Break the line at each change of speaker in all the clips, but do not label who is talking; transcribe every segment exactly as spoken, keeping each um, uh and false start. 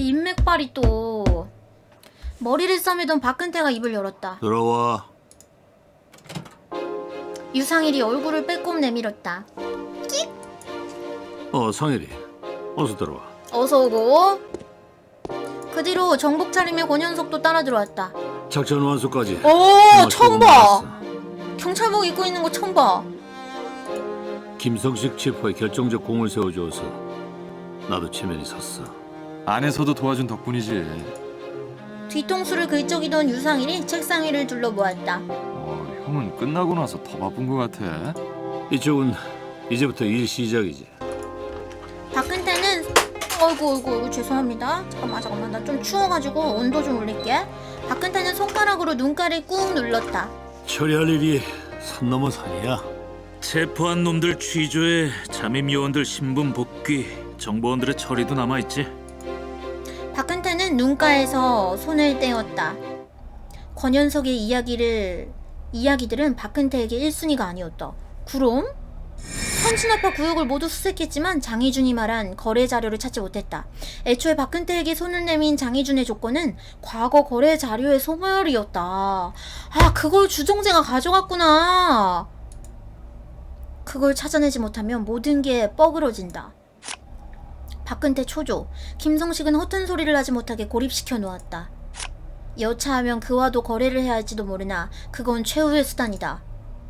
인맥발이 또. 머리를 싸매던 박근태가 입을 열었다.
들어와.
유상일이 얼굴을 빼꼼 내밀었다.
어, 상일이. 어서 들어와.
어서 오고. 그 뒤로 정복 차림의 권현석도 따라 들어왔다.
작전 완수까지.
오, 처음 봐.
나왔어.
경찰복 입고 있는 거 처음 봐.
김성식 치포에 결정적 공을 세워줘서 나도 체면이 섰어.
안에서도 도와준 덕분이지.
뒤통수를 긁적이던 유상일이 책상 위를 둘러보았다.
어, 형은 끝나고 나서 더 바쁜 것 같아.
이쪽은 이제부터 일 시작이지.
박근태는 어이구 어이구 어이구 죄송합니다. 잠깐만 잠깐만 나 좀 추워가지고 온도 좀 올릴게. 박근태는 손가락으로 눈가를 꾹 눌렀다.
처리할 일이 산 넘어 산이야.
체포한 놈들 취조에 잠입 요원들 신분 복귀, 정보원들의 처리도 남아있지.
박근태는 눈가에서 손을 떼었다. 권현석의 이야기를 이야기들은 박근태에게 일 순위가 아니었다. 그럼? 선진아파 구역을 모두 수색했지만 장희준이 말한 거래 자료를 찾지 못했다. 애초에 박근태에게 손을 내민 장희준의 조건은 과거 거래 자료의 소멸이었다. 아, 그걸 주정재가 가져갔구나. 그걸 찾아내지 못하면 모든 게 뻐그러진다. 박근태 초조, 김성식은 허튼 소리를 하지 못하게 고립시켜 놓았다. 여차하면 그와도 거래를 해야 할지도 모르나 그건 최후의 수단이다.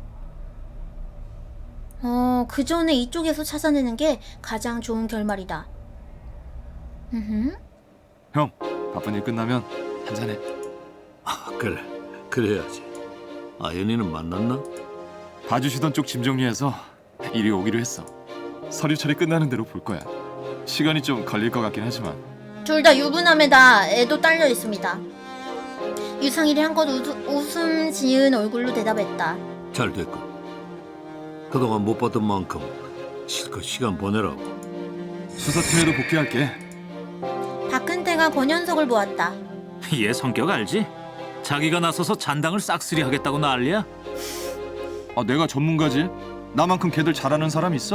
어, 그 전에 이쪽에서 찾아내는 게 가장 좋은 결말이다. 으흠.
형, 바쁜 일 끝나면 한잔해.
아, 그래. 그래야지. 아연이는 만났나?
봐주시던 쪽 짐 정리해서 이리 오기로 했어. 서류 처리 끝나는 대로 볼 거야. 시간이 좀 걸릴 것 같긴 하지만.
둘 다 유부남에다 애도 딸려 있습니다. 유상일이 한껏 웃음 지은 얼굴로 대답했다.
잘 됐고. 그동안 못 봤던 만큼 실컷 시간 보내라고.
수사팀에도 복귀할게.
박근태가 권현석을 보았다.
얘 성격 알지? 자기가 나서서 잔당을 싹쓸이 하겠다고 난리야?
아, 내가 전문가지. 나만큼 걔들 잘하는 사람 있어?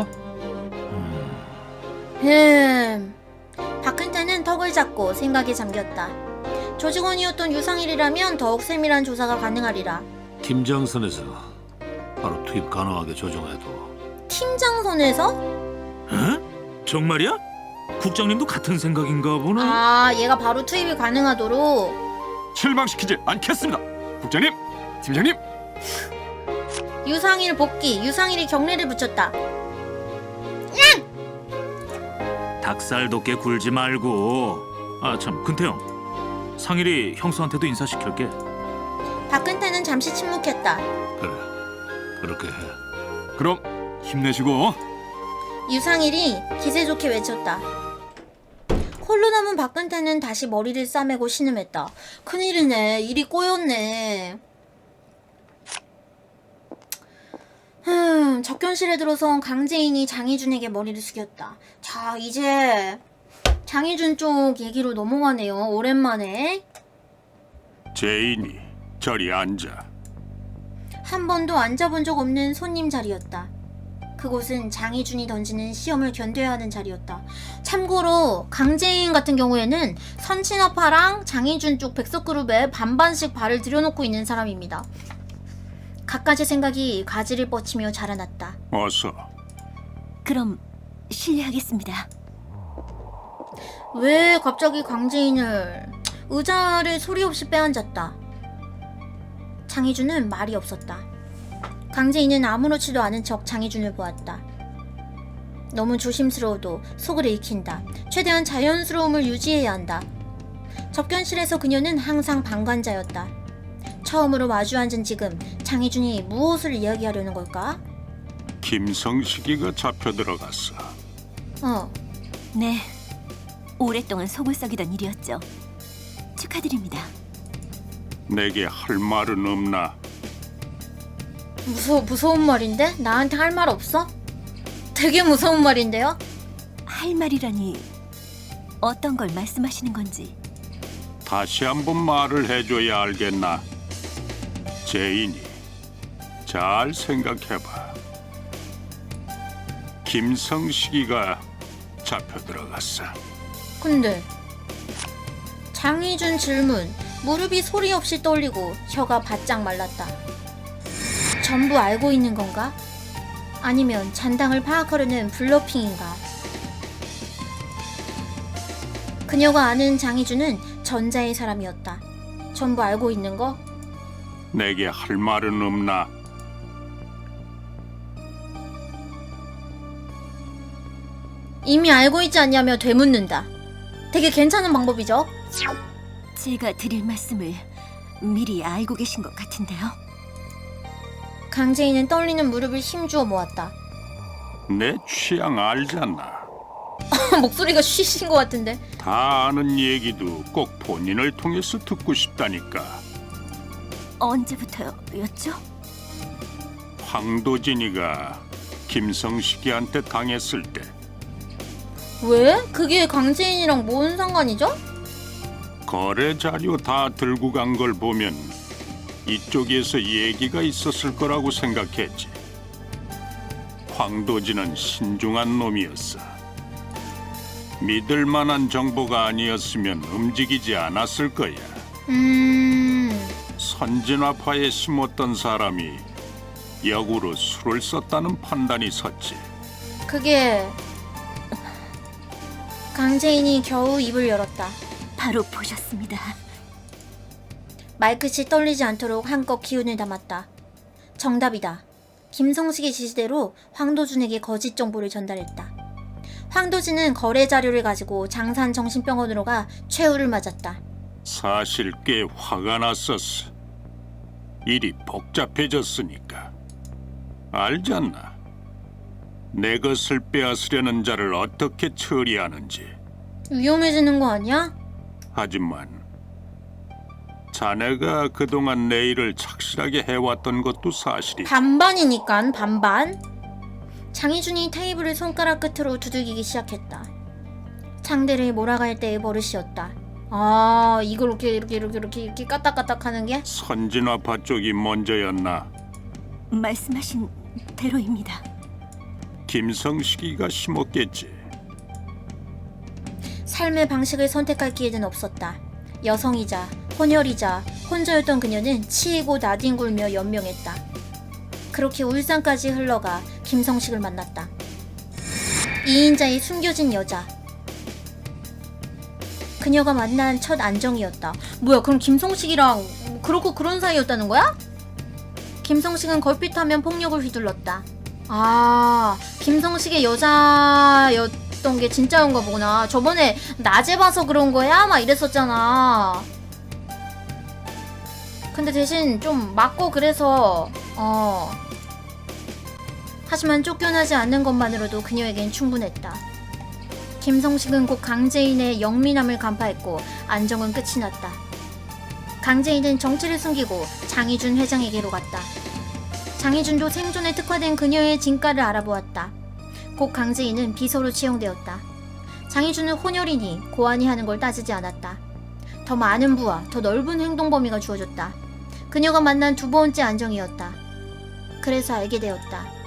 흠. 박근태는 턱을 잡고 생각에 잠겼다. 조직원이었던 유상일이라면 더욱 세밀한 조사가 가능하리라.
팀장선에서 바로 투입 가능하게 조정해도.
팀장선에서?
응? 정말이야? 국장님도 같은 생각인가 보네.
아, 얘가 바로 투입이 가능하도록.
실망시키지 않겠습니다. 국장님, 팀장님.
유상일 복귀. 유상일이 경례를 붙였다.
닭살 돋게 굴지 말고. 아 참, 근태형, 상일이 형수한테도 인사시킬게.
박근태는 잠시 침묵했다.
그래. 그렇게 해.
그럼 힘내시고.
유상일이 기세 좋게 외쳤다. 홀로 남은 박근태는 다시 머리를 싸매고 신음했다. 큰일이네. 일이 꼬였네. 흠, 접견실에 들어선 강재인이 장희준에게 머리를 숙였다. 자, 이제 장희준 쪽 얘기로 넘어가네요. 오랜만에.
제인이 저리 앉아.
한 번도 앉아본 적 없는 손님 자리였다. 그곳은 장희준이 던지는 시험을 견뎌야 하는 자리였다. 참고로 강재인 같은 경우에는 선친아파랑 장희준 쪽 백석그룹에 반반씩 발을 들여놓고 있는 사람입니다. 갖가지 생각이 가지를 뻗치며 자라났다.
어서.
그럼 실례하겠습니다.
왜 갑자기 강재인을 의자를 소리 없이 빼앉았다. 장희준은 말이 없었다. 강재인은 아무렇지도 않은 척 장희준을 보았다. 너무 조심스러워도 속을 읽힌다. 최대한 자연스러움을 유지해야 한다. 접견실에서 그녀는 항상 방관자였다. 처음으로 마주 앉은 지금 장희준이 무엇을 이야기하려는 걸까?
김성식이가 잡혀 들어갔어.
어,
네, 오랫동안 속을 썩이던 일이었죠. 축하드립니다.
내게 할 말은 없나?
무서, 무서운 말인데? 나한테 할 말 없어? 되게 무서운 말인데요?
할 말이라니 어떤 걸 말씀하시는 건지.
다시 한번 말을 해줘야 알겠나? 제인이 잘 생각해봐. 김성식이가 잡혀 들어갔어.
근데 장희준 질문. 무릎이 소리 없이 떨리고 혀가 바짝 말랐다. 전부 알고 있는 건가? 아니면 잔당을 파악하려는 블러핑인가? 그녀가 아는 장희준은 전자의 사람이었다. 전부 알고 있는 거?
내게 할 말은 없나?
이미 알고 있지 않냐며 되묻는다. 되게 괜찮은 방법이죠?
제가 드릴 말씀을 미리 알고 계신 것 같은데요.
강재인은 떨리는 무릎을 힘주어 모았다.
내 취향 알잖아.
목소리가 쉬신 것 같은데.
다 아는 얘기도 꼭 본인을 통해서 듣고 싶다니까.
언제부터였죠?
황도진이가 김성식이한테 당했을 때
왜? 그게 강재인이랑 뭔 상관이죠?
거래 자료 다 들고 간 걸 보면 이쪽에서 얘기가 있었을 거라고 생각했지. 황도진은 신중한 놈이었어. 믿을 만한 정보가 아니었으면 움직이지 않았을 거야.
음...
선진화파에 심었던 사람이 역으로 술을 썼다는 판단이 섰지.
그게... 강재인이 겨우 입을 열었다.
바로 보셨습니다.
말끝이 떨리지 않도록 한껏 기운을 담았다. 정답이다. 김성식의 지시대로 황도준에게 거짓 정보를 전달했다. 황도진은 거래 자료를 가지고 장산 정신병원으로 가 최후를 맞았다.
사실 꽤 화가 났었어. 일이 복잡해졌으니까. 알잖아. 내 것을 빼앗으려는 자를 어떻게 처리하는지.
위험해지는 거 아니야?
하지만 자네가 그동안 내 일을 착실하게 해왔던 것도 사실이지.
반반이니깐 반반. 장희준이 테이블을 손가락 끝으로 두들기기 시작했다. 상대를 몰아갈 때의 버릇이었다. 아, 이걸 이렇게 이렇게 이렇게 이렇게 이렇게 까딱까딱 하는 게?
선진화파 쪽이 먼저였나?
말씀하신 대로입니다.
김성식이가 심었겠지.
삶의 방식을 선택할 기회는 없었다. 여성이자 혼혈이자 혼자였던 그녀는 치이고 나뒹굴며 연명했다. 그렇게 울산까지 흘러가 김성식을 만났다. 이인자의 숨겨진 여자. 그녀가 만난 첫 안정이었다. 뭐야, 그럼 김성식이랑 그렇고 그런 사이였다는 거야? 김성식은 걸핏하면 폭력을 휘둘렀다. 아, 김성식의 여자였던 게 진짜인가 보구나. 저번에 낮에 봐서 그런 거야? 막 이랬었잖아. 근데 대신 좀 맞고 그래서 어 하지만 쫓겨나지 않는 것만으로도 그녀에겐 충분했다. 김성식은 곧 강재인의 영민함을 간파했고 안정은 끝이 났다. 강재인은 정체를 숨기고 장희준 회장에게로 갔다. 장희준도 생존에 특화된 그녀의 진가를 알아보았다. 곧 강재인은 비서로 채용되었다. 장희준은 혼혈이니 고안이 하는 걸 따지지 않았다. 더 많은 부와 더 넓은 행동 범위가 주어졌다. 그녀가 만난 두 번째 안정이었다. 그래서 알게 되었다.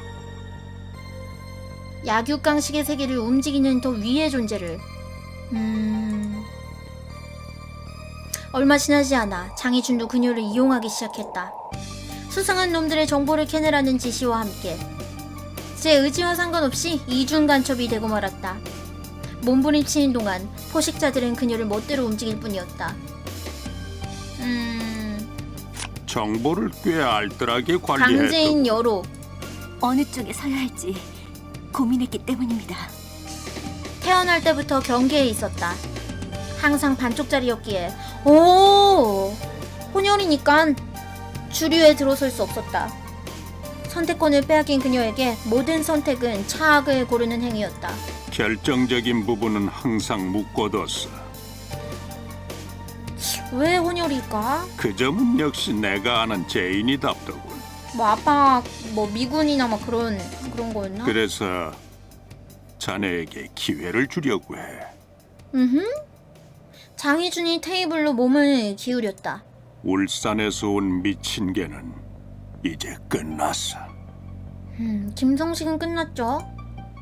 약육강식의 세계를 움직이는 더 위의 존재를. 음... 얼마 지나지 않아 장희준도 그녀를 이용하기 시작했다. 수상한 놈들의 정보를 캐내라는 지시와 함께 제 의지와 상관없이 이중 간첩이 되고 말았다. 몸부림치는 동안 포식자들은 그녀를 멋대로 움직일 뿐이었다. 음...
정보를 꽤 알뜰하게 관리했던.
강재인 여로.
어느 쪽에 서야 할지 고민했기 때문입니다.
태어날 때부터 경계에 있었다. 항상 반쪽짜리였기에 오 혼혈이니깐 주류에 들어설 수 없었다. 선택권을 빼앗긴 그녀에게 모든 선택은 차악을 고르는 행위였다.
결정적인 부분은 항상 묶어뒀어.
왜 혼혈일까?
그 점은 역시 내가 아는 제인이답더군.
뭐 아빠 뭐 미군이나 막 그런 그런 거였나?
그래서 자네에게 기회를 주려고 해.
음흠. 장희준이 테이블로 몸을 기울였다.
울산에서 온 미친 개는 이제 끝났어.
음, 김성식은 끝났죠?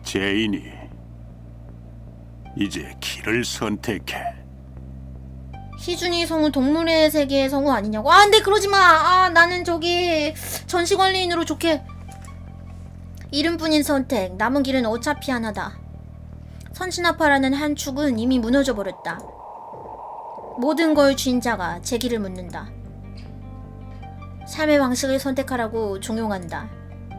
제인이 이제 길을 선택해.
희준이 성우 동물의 세계의 성우 아니냐고? 아, 근데 그러지 마. 아, 나는 저기 전시관리인으로 좋게. 이름뿐인 선택. 남은 길은 어차피 하나다. 선진화파라는 한 축은 이미 무너져 버렸다. 모든 걸 쥔 자가 제 길을 묻는다. 삶의 방식을 선택하라고 종용한다.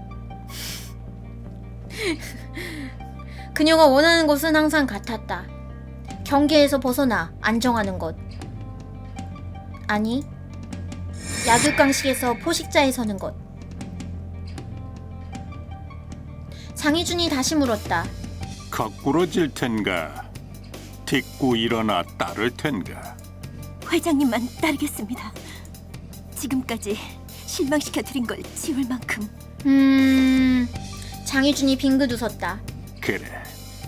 그녀가 원하는 것은 항상 같았다. 경계에서 벗어나 안정하는 것. 아니, 약육강식에서 포식자에 서는 것. 장희준이 다시 물었다.
거꾸로질 텐가? 딛고 일어나 따를 텐가?
회장님만 따르겠습니다. 지금까지 실망시켜 드린 걸 지울 만큼.
음... 장희준이 빙긋 웃었다.
그래,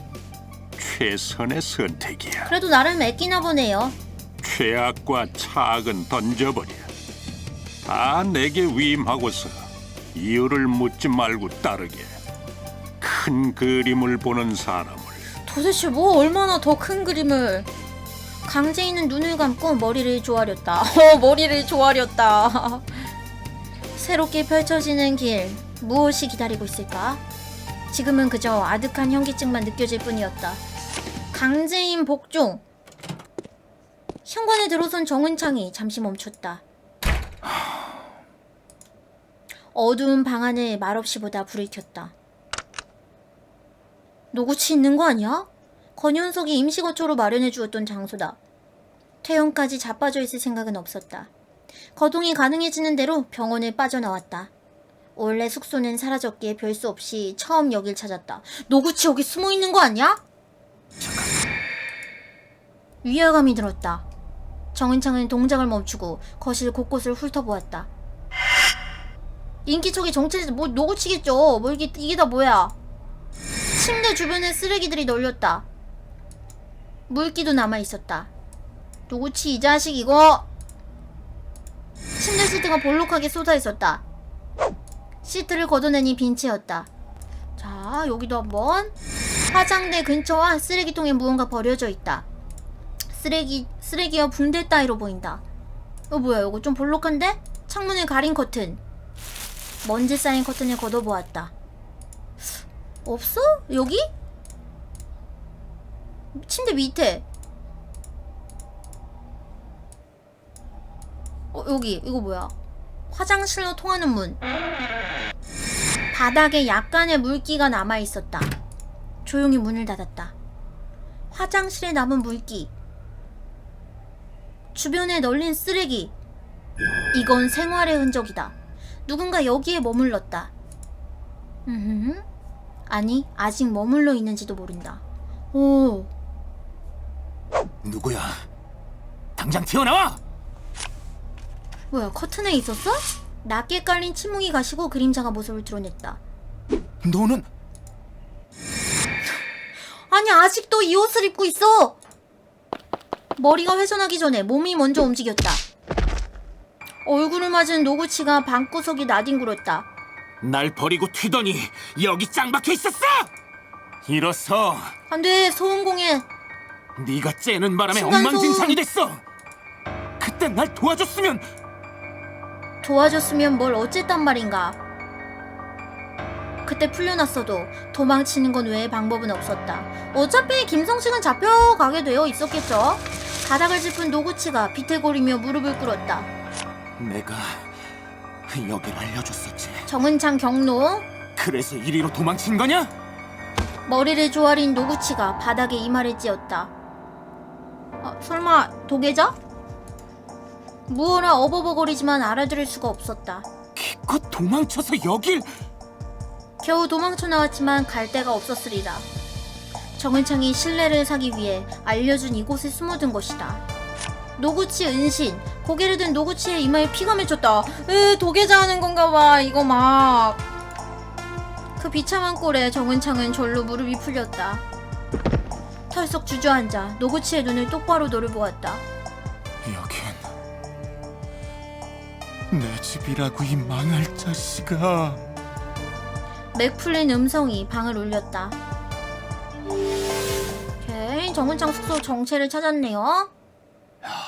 최선의 선택이야.
그래도 나름 애끼나 보네요.
최악과 차악은 던져버려. 다 내게 위임하고서 이유를 묻지 말고 따르게. 큰 그림을 보는 사람을.
도대체 뭐 얼마나 더 큰 그림을. 강재인은 눈을 감고 머리를 조아렸다. 어, 머리를 조아렸다. 새롭게 펼쳐지는 길, 무엇이 기다리고 있을까? 지금은 그저 아득한 현기증만 느껴질 뿐이었다. 강재인 복종. 현관에 들어선 정은창이 잠시 멈췄다. 어두운 방 안을 말없이 보다 불을 켰다. 노구치 있는 거 아니야? 권현석이 임시거처로 마련해 주었던 장소다. 퇴원까지 자빠져 있을 생각은 없었다. 거동이 가능해지는 대로 병원을 빠져나왔다. 원래 숙소는 사라졌기에 별 수 없이 처음 여길 찾았다. 노구치 여기 숨어 있는 거 아니야? 위화감이 들었다. 정은창은 동작을 멈추고 거실 곳곳을 훑어보았다. 인기척이 정체지 뭐 노구치겠죠. 뭐 이게, 이게 다 뭐야? 침대 주변에 쓰레기들이 널렸다. 물기도 남아있었다. 노구치 이 자식 이거. 침대 시트가 볼록하게 쏟아있었다. 시트를 걷어내니 빈 채였다. 자, 여기도 한번. 화장대 근처와 쓰레기통에 무언가 버려져 있다. 쓰레기, 쓰레기와 붕대 따위로 보인다. 어, 뭐야, 이거 좀 볼록한데? 창문을 가린 커튼. 먼지 쌓인 커튼을 걷어보았다. 없어? 여기? 침대 밑에. 어, 여기. 이거 뭐야? 화장실로 통하는 문. 바닥에 약간의 물기가 남아있었다. 조용히 문을 닫았다. 화장실에 남은 물기. 주변에 널린 쓰레기. 이건 생활의 흔적이다. 누군가 여기에 머물렀다. 음, 아니, 아직 머물러 있는지도 모른다. 오.
누구야? 당장 튀어나와!
뭐야, 커튼에 있었어? 낮게 깔린 침묵이 가시고 그림자가 모습을 드러냈다.
너는
아니, 아직도 이 옷을 입고 있어! 머리가 회전하기 전에 몸이 먼저 움직였다. 얼굴을 맞은 노구치가 방구석이 나뒹굴었다.
날 버리고 튀더니 여기 짱 박혀 있었어! 일어서.
안돼, 소음공에.
네가 째는 바람에
층간소음.
엉망진창이 됐어. 그때 날 도와줬으면.
도와줬으면 뭘 어쨌단 말인가. 그때 풀려났어도 도망치는 건 외에 방법은 없었다. 어차피 김성식은 잡혀가게 되어 있었겠죠. 바닥을 짚은 노구치가 비틀거리며 무릎을 꿇었다.
내가 여길 알려줬었지.
정은창 경로.
그래서 이리로 도망친 거냐?
머리를 조아린 노구치가 바닥에 이마를 찧었다. 아, 설마 도계자? 무어라 어버버거리지만 알아들을 수가 없었다.
기껏 도망쳐서 여길.
겨우 도망쳐 나왔지만 갈 데가 없었으리라. 정은창이 신뢰를 사기 위해 알려준 이곳에 숨어든 것이다. 노구치 은신. 고개를 든 노구치의 이마에 피가 맺혔다. 으, 도계자 하는 건가 봐. 이거 막. 그 비참한 꼴에 정은창은 절로 무릎이 풀렸다. 털썩 주저앉아 노구치의 눈을 똑바로 노려보았다.
여긴 내 집이라고, 이 망할 자식아.
맥 풀린 음성이 방을 울렸다. 오케이, 정은창 숙소 정체를 찾았네요.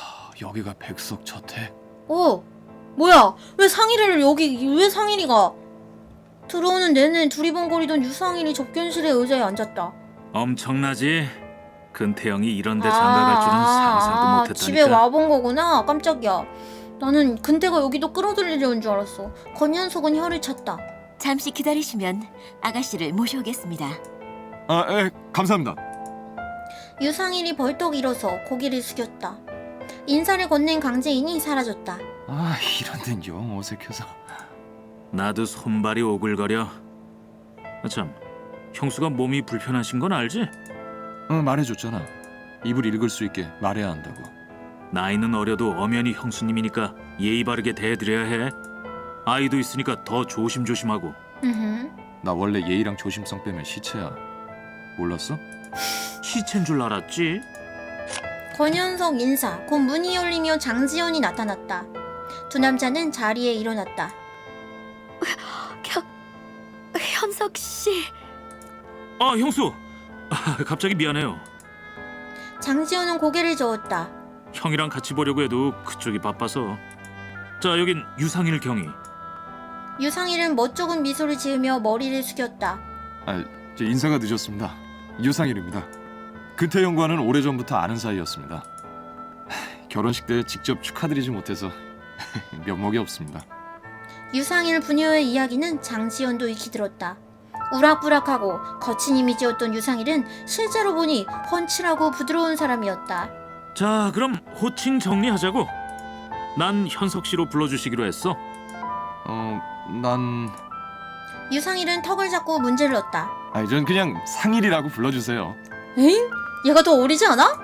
여기가 백석 저택.
어, 뭐야? 왜 상일이를 여기, 왜 상일이가? 들어오는 내내 두리번거리던 유상일이 접견실의 의자에 앉았다.
엄청나지? 근태영이 이런데 장가갈 줄은 상상도
아,
못했다니까.
집에 와본 거구나. 깜짝이야. 나는 근태가 여기도 끌어들이려는 줄 알았어. 권현석은 혀를 찼다.
잠시 기다리시면 아가씨를 모셔오겠습니다.
아, 예, 감사합니다.
유상일이 벌떡 일어서 고개를 숙였다. 인사를 건넨 강재인이 사라졌다.
아, 이런 데는 영 어색해서.
나도 손발이 오글거려. 아, 참, 형수가 몸이 불편하신 건 알지?
응, 말해줬잖아. 입을 읽을 수 있게 말해야 한다고.
나이는 어려도 엄연히 형수님이니까 예의 바르게 대해드려야 해. 아이도 있으니까 더 조심조심하고.
으흠.
나 원래 예의랑 조심성 빼면 시체야. 몰랐어?
시체인 줄 알았지?
권현석 인사, 곧 문이 열리며 장지연이 나타났다. 두 남자는 자리에 일어났다.
현, 현석 씨.
아, 형수! 아, 갑자기 미안해요.
장지연은 고개를 저었다.
형이랑 같이 보려고 해도 그쪽이 바빠서. 자, 여긴 유상일 경위.
유상일은 멋쩍은 미소를 지으며 머리를 숙였다.
아, 저 인사가 늦었습니다. 유상일입니다. 근태영과는 오래전부터 아는 사이였습니다. 하, 결혼식 때 직접 축하드리지 못해서 면목이 없습니다.
유상일 부녀의 이야기는 장지연도 익히 들었다. 우락부락하고 거친 이미지였던 유상일은 실제로 보니 훤칠하고 부드러운 사람이었다.
자, 그럼 호칭 정리하자고. 난 현석 씨로 불러주시기로 했어.
어, 난...
유상일은 턱을 잡고 문제를 넣었다.
아니, 전 그냥 상일이라고 불러주세요.
에잉? 얘가 더 어리지 않아?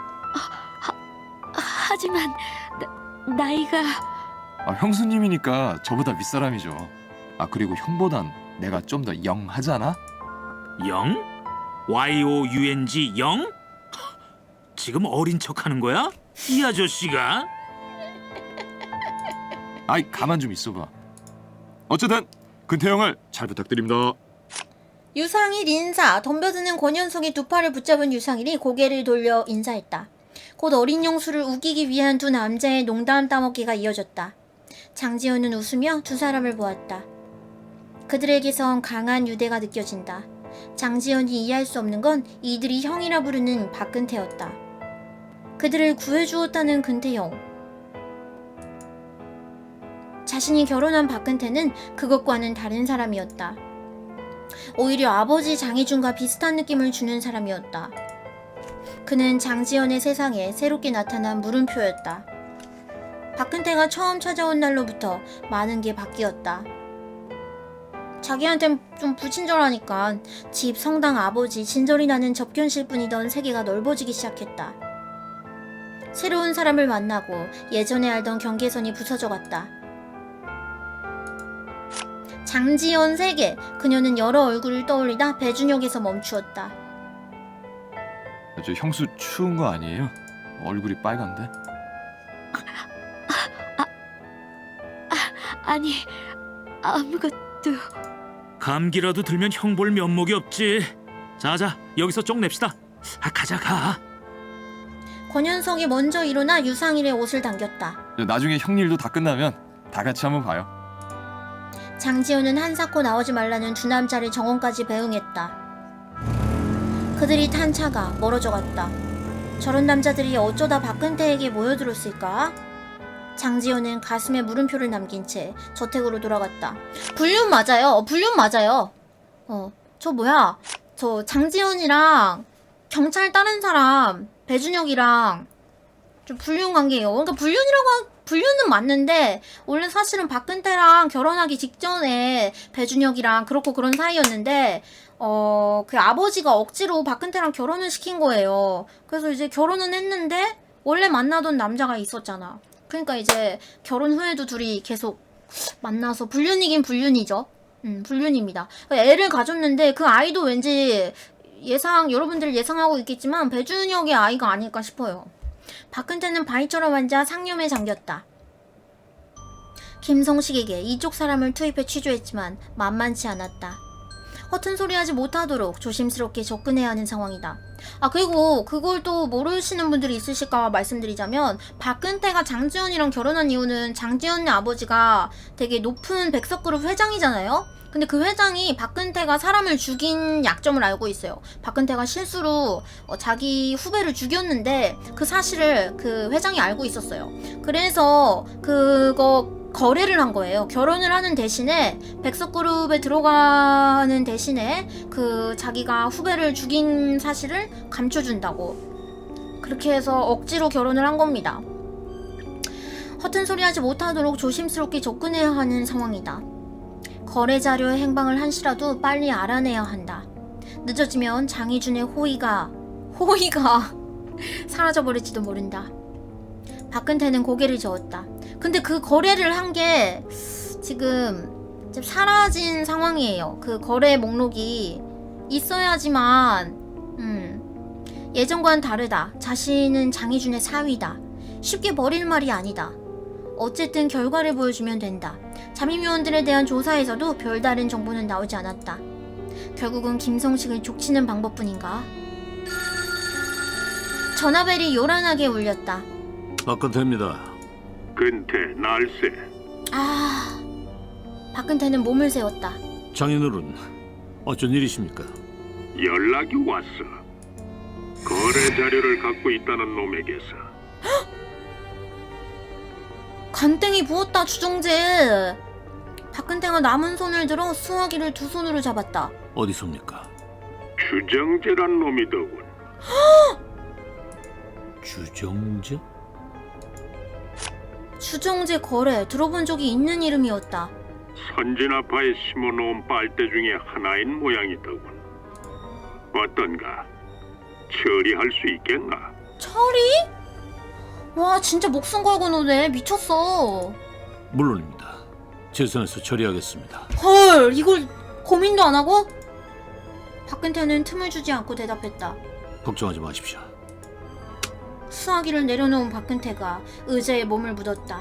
하지만 나, 나이가...
아, 형수님이니까 저보다 윗사람이죠. 아, 그리고 형보단 내가 좀 더 영하잖아?
영? 와이 오 유 엔 지 영? 지금 어린 척하는 거야? 이 아저씨가?
아이, 가만 좀 있어봐. 어쨌든 근태영을 잘 부탁드립니다.
유상일 인사, 덤벼드는 권현석이 두 팔을 붙잡은 유상일이 고개를 돌려 인사했다. 곧 어린 영수를 우기기 위한 두 남자의 농담 따먹기가 이어졌다. 장지연은 웃으며 두 사람을 보았다. 그들에게선 강한 유대가 느껴진다. 장지연이 이해할 수 없는 건 이들이 형이라 부르는 박근태였다. 그들을 구해주었다는 근태형. 자신이 결혼한 박근태는 그것과는 다른 사람이었다. 오히려 아버지 장희준과 비슷한 느낌을 주는 사람이었다. 그는 장지연의 세상에 새롭게 나타난 물음표였다. 박근태가 처음 찾아온 날로부터 많은 게 바뀌었다. 자기한텐 좀 불친절하니까 집, 성당, 아버지, 진절이 나는 접견실 뿐이던 세계가 넓어지기 시작했다. 새로운 사람을 만나고 예전에 알던 경계선이 부서져 갔다. 장지연 세계, 그녀는 여러 얼굴을 떠올리다 배준혁에서 멈추었다.
저 형수 추운 거 아니에요? 얼굴이 빨간데?
아니, 아무것도...
감기라도 들면 형 볼 면목이 없지. 자자, 여기서 쪽 냅시다. 아, 가자, 가.
권현석이 먼저 일어나 유상일의 옷을 당겼다.
나중에 형 일도 다 끝나면 다 같이 한번 봐요.
장지연은 한사코 나오지 말라는 두 남자를 정원까지 배웅했다. 그들이 탄 차가 멀어져 갔다. 저런 남자들이 어쩌다 박근태에게 모여들었을까? 장지연은 가슴에 물음표를 남긴 채 저택으로 돌아갔다. 불륜 맞아요. 불륜 맞아요. 어, 저 뭐야? 저 장지연이랑 경찰 다른 사람 배준혁이랑 좀 불륜 관계예요. 그러니까 불륜이라고 하, 불륜은 맞는데 원래 사실은 박근태랑 결혼하기 직전에 배준혁이랑 그렇고 그런 사이였는데 어, 그 아버지가 억지로 박근태랑 결혼을 시킨 거예요. 그래서 이제 결혼은 했는데 원래 만나던 남자가 있었잖아. 그러니까 이제 결혼 후에도 둘이 계속 만나서 불륜이긴 불륜이죠. 음, 불륜입니다. 애를 가졌는데 그 아이도 왠지 예상, 여러분들 예상하고 있겠지만 배준혁의 아이가 아닐까 싶어요. 박근태는 바위처럼 앉아 상념에 잠겼다. 김성식에게 이쪽 사람을 투입해 취조했지만 만만치 않았다. 허튼 소리 하지 못하도록 조심스럽게 접근해야 하는 상황이다. 아 그리고 그걸 또 모르시는 분들이 있으실까 말씀드리자면 박근태가 장지연이랑 결혼한 이유는 장지연의 아버지가 되게 높은 백석그룹 회장이잖아요. 근데 그 회장이 박근태가 사람을 죽인 약점을 알고 있어요. 박근태가 실수로 어, 자기 후배를 죽였는데 그 사실을 그 회장이 알고 있었어요. 그래서 그거 거래를 한 거예요. 결혼을 하는 대신에 백석그룹에 들어가는 대신에 그 자기가 후배를 죽인 사실을 감춰준다고. 그렇게 해서 억지로 결혼을 한 겁니다. 허튼 소리 하지 못하도록 조심스럽게 접근해야 하는 상황이다. 거래 자료의 행방을 한시라도 빨리 알아내야 한다. 늦어지면 장희준의 호의가 호의가 사라져버릴지도 모른다. 박근태는 고개를 저었다. 근데 그 거래를 한 게 지금 사라진 상황이에요. 그 거래 목록이 있어야지만 음, 예전과는 다르다. 자신은 장희준의 사위다. 쉽게 버릴 말이 아니다. 어쨌든 결과를 보여주면 된다. 잠입요원들에 대한 조사에서도 별다른 정보는 나오지 않았다. 결국은 김성식을 족치는 방법뿐인가? 전화벨이 요란하게 울렸다.
박근태입니다.
근태, 날쌔.
아... 박근태는 몸을 세웠다.
장인어른, 어쩐 일이십니까?
연락이 왔어. 거래 자료를 갖고 있다는 놈에게서.
간땡이 부었다 주정재. 박근태가 남은 손을 들어 수화기를 두 손으로 잡았다.
어디섭니까?
주정재란 놈이더군.
주정재?
주정재 거래 들어본 적이 있는 이름이었다.
선진아파에 심어놓은 빨대 중에 하나인 모양이더군. 어떤가? 처리할 수 있겠나?
철이? 와 진짜 목숨 걸고 노네. 미쳤어.
물론입니다. 제 선에서 처리하겠습니다.
헐 이걸 고민도 안 하고? 박근태는 틈을 주지 않고 대답했다.
걱정하지 마십시오.
수화기를 내려놓은 박근태가 의자에 몸을 묻었다.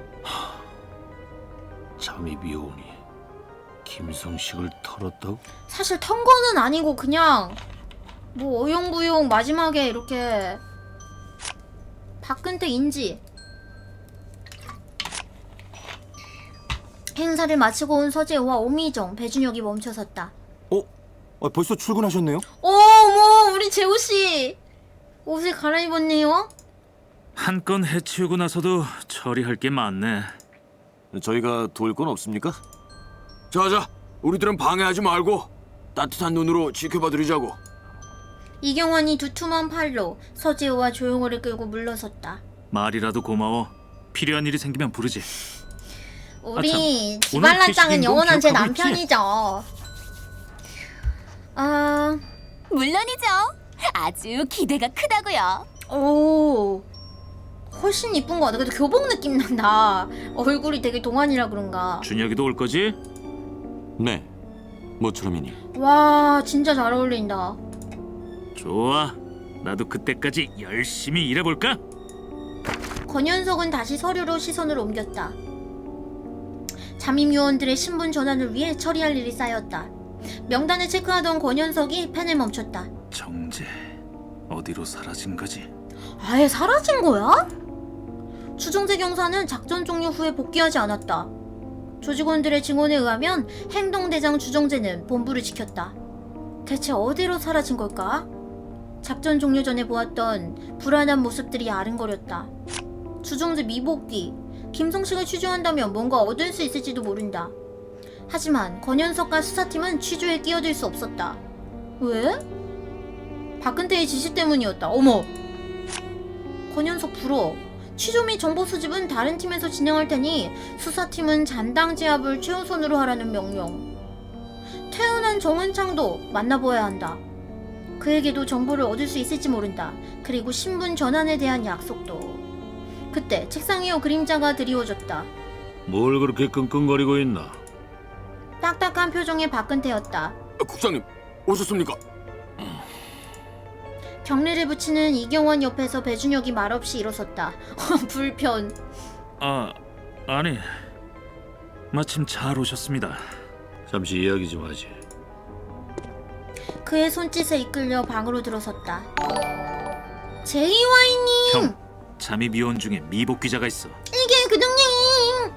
잠입요원이 김성식을 털었다고?
사실 턴 거는 아니고 그냥 뭐 어용부용 마지막에 이렇게 박근태 인지. 행사를 마치고 온 서재호와 오미정, 배준혁이 멈춰섰다.
어? 아, 벌써 출근하셨네요?
어머 우리 재호씨 옷을 갈아입었네요.
한 건 해치우고 나서도 처리할 게 많네.
저희가 도울 건 없습니까? 자자, 우리들은 방해하지 말고 따뜻한 눈으로 지켜봐드리자고.
이경환이 두툼한 팔로 서재호와 조용호를 끌고 물러섰다.
말이라도 고마워. 필요한 일이 생기면 부르지.
우리
오늘
지발란짱은
캐시딩도
영원한 제
기억하고 있지?
남편이죠. 아...
물론이죠. 아주 기대가 크다고요.
오... 훨씬 이쁜 거 같아. 근데 교복 느낌 난다. 얼굴이 되게 동안이라 그런가.
준혁이도 올 거지?
네, 모처럼이니.
와 진짜 잘 어울린다.
좋아. 나도 그때까지 열심히 일해볼까?
권현석은 다시 서류로 시선을 옮겼다. 잠입요원들의 신분 전환을 위해 처리할 일이 쌓였다. 명단을 체크하던 권현석이 펜을 멈췄다.
정재 어디로 사라진 거지?
아예 사라진 거야? 주정재 경사는 작전 종료 후에 복귀하지 않았다. 조직원들의 증언에 의하면 행동대장 주정재는 본부를 지켰다. 대체 어디로 사라진 걸까? 작전 종료 전에 보았던 불안한 모습들이 아른거렸다. 주정재 미복귀, 김성식을 취조한다면 뭔가 얻을 수 있을지도 모른다. 하지만 권현석과 수사팀은 취조에 끼어들 수 없었다. 왜? 박근태의 지시 때문이었다. 어머! 권현석 불어. 취조 및 정보 수집은 다른 팀에서 진행할 테니 수사팀은 잔당 제압을 최우선으로 하라는 명령. 퇴원한 정은창도 만나보아야 한다. 그에게도 정보를 얻을 수 있을지 모른다. 그리고 신분 전환에 대한 약속도. 그때 책상 위에 그림자가 드리워졌다.
뭘 그렇게 끙끙거리고 있나?
딱딱한 표정의 박근태였다.
아, 국장님, 오셨습니까?
경례를 붙이는 이경원 옆에서 배준혁이 말없이 일어섰다. 불편.
아, 아니. 마침 잘 오셨습니다.
잠시 이야기 좀 하지.
그의 손짓에 이끌려 방으로 들어섰다. 제이와이님!
형, 잠입 요원 중에 미복 기자가 있어.
이게 그동님!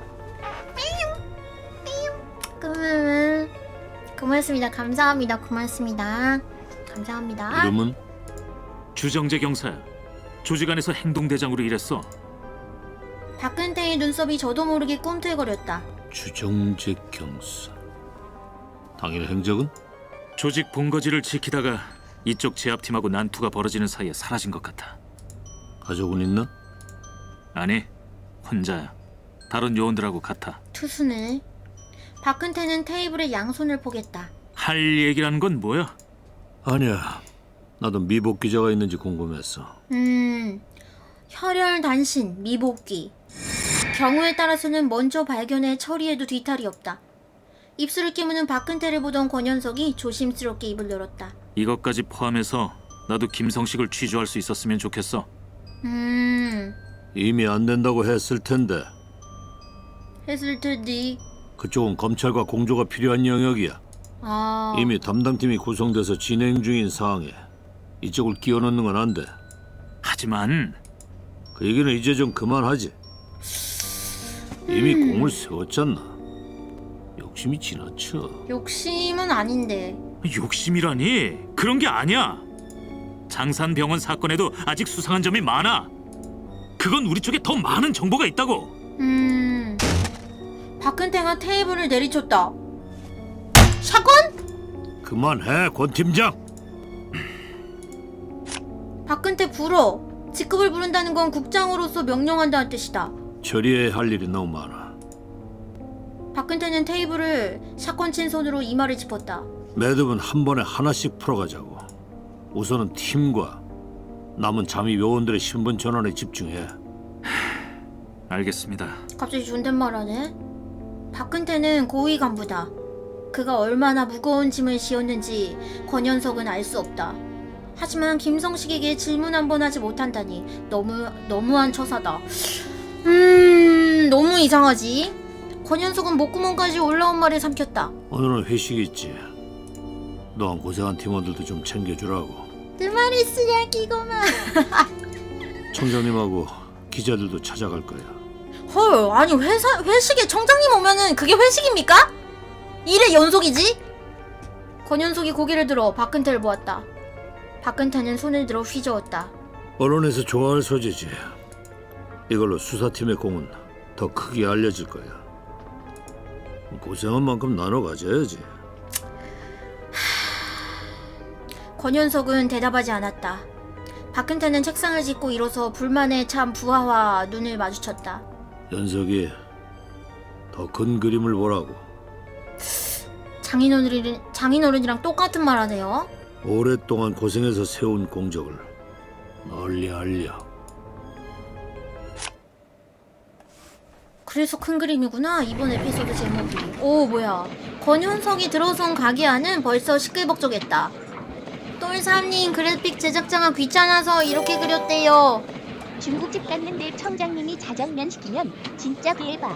그러면 고맙습니다. 감사합니다. 고맙습니다. 감사합니다.
이름은?
주정재 경사야. 조직 안에서 행동대장으로 일했어.
박근태의 눈썹이 저도 모르게 꿈틀거렸다.
주정재 경사. 당일 행적은?
조직 본거지를 지키다가 이쪽 제압팀하고 난투가 벌어지는 사이에 사라진 것 같아.
가족은 있나?
아니, 혼자야. 다른 요원들하고 같아.
투수네. 박근태는 테이블에 양손을 포겠다.
할 얘기라는 건 뭐야?
아니야. 나도 미복 기자가 있는지 궁금했어.
음... 혈혈단신, 미복귀. 경우에 따라서는 먼저 발견해 처리해도 뒤탈이 없다. 입술을 깨무는 박근태를 보던 권현석이 조심스럽게 입을 열었다.
이것까지 포함해서 나도 김성식을 취조할 수 있었으면 좋겠어.
음...
이미 안 된다고 했을 텐데.
했을 테디.
그쪽은 검찰과 공조가 필요한 영역이야.
아...
이미 담당팀이 구성돼서 진행 중인 사항에 이쪽을 끼워 넣는 건 안 돼.
하지만
그 얘기는 이제 좀 그만하지. 이미
음.
공을 세웠잖아. 욕심이 지나쳐.
욕심은 아닌데.
욕심이라니? 그런 게 아니야. 장산병원 사건에도 아직 수상한 점이 많아. 그건 우리 쪽에 더 많은 정보가 있다고.
음... 박근태가 테이블을 내리쳤다. 샷건?
그만해, 권 팀장.
박근태 불어. 직급을 부른다는 건 국장으로서 명령한다는 뜻이다.
처리해야 할 일이 너무 많아.
박근태는 테이블을 샷건 친 손으로 이마를 짚었다.
매듭은 한 번에 하나씩 풀어가자고. 우선은 팀과 남은 잠입 요원들의 신분 전환에 집중해.
알겠습니다.
갑자기 존댓말하네. 박근태는 고위 간부다. 그가 얼마나 무거운 짐을 지었는지 권현석은 알 수 없다. 하지만 김성식에게 질문 한 번 하지 못한다니 너무 너무한 처사다. 음... 너무 이상하지? 권현석은 목구멍까지 올라온 말을 삼켰다.
오늘은 회식 있지. 너한 고생한 팀원들도 좀 챙겨주라고.
그 말이 쓰레기구만.
청장님하고 기자들도 찾아갈 거야.
헐, 아니 회사 회식에 청장님 오면은 그게 회식입니까? 일의 연속이지? 권현석이 고개를 들어 박근태를 보았다. 박근태는 손을 들어 휘저었다.
언론에서 좋아할 소재지. 이걸로 수사팀의 공은 더 크게 알려질 거야. 고생한 만큼 나눠 가져야지.
권현석은 대답하지 않았다. 박근태는 책상을 짚고 일어서 불만에 찬 부하와 눈을 마주쳤다.
연석이 더 큰 그림을 보라고.
장인어른, 장인어른이랑 똑같은 말 하네요.
오랫동안 고생해서 세운 공적을 널리 알려.
그래서 큰 그림이구나, 이번 에피소드 제목이. 오, 뭐야. 권현석이 들어선 가게 안은 벌써 시끌벅적했다. 똘삼님, 그래픽 제작자가 귀찮아서 이렇게 그렸대요.
중국집 갔는데 청장님이 자장면 시키면 진짜 대박.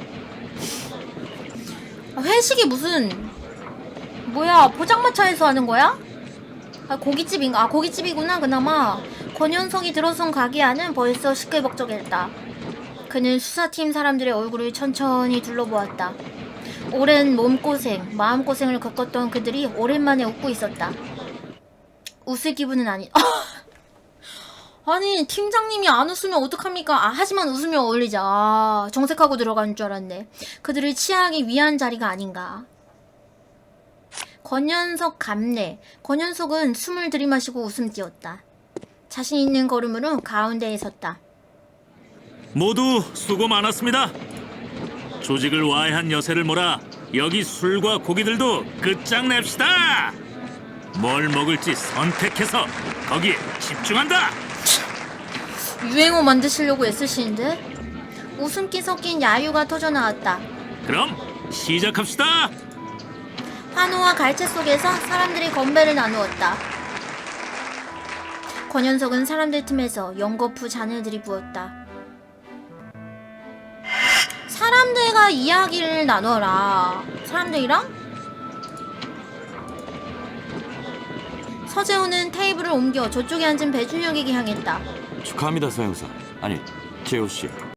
아, 회식이 무슨 뭐야, 포장마차에서 하는 거야? 아, 고깃집인가? 아, 고깃집이구나. 그나마 권현석이 들어선 가게 안은 벌써 시끌벅적했다. 그는 수사팀 사람들의 얼굴을 천천히 둘러보았다. 오랜 몸고생, 마음고생을 겪었던 그들이 오랜만에 웃고 있었다. 웃을 기분은 아니... 아니, 팀장님이 안 웃으면 어떡합니까? 아, 하지만 웃으면 어울리자. 아, 정색하고 들어가는 줄 알았네. 그들을 치하하기 위한 자리가 아닌가. 권현석 감내. 권현석은 숨을 들이마시고 웃음 띄었다. 자신 있는 걸음으로 가운데에 섰다.
모두 수고 많았습니다. 조직을 와해한 여세를 몰아 여기 술과 고기들도 끝장냅시다. 뭘 먹을지 선택해서 거기에 집중한다.
유행어 만드시려고 애쓰시는데? 웃음기 섞인 야유가 터져나왔다.
그럼 시작합시다.
환호와 갈채 속에서 사람들이 건배를 나누었다. 권현석은 사람들 틈에서 연거푸 잔을 들이부었다. 사람들과 이야기를 나눠라. 사람들이랑? 서재호는 테이블을 옮겨 저쪽에 앉은 배준혁에게 향했다.
축하합니다, 서 형사. 아니, 재호 씨.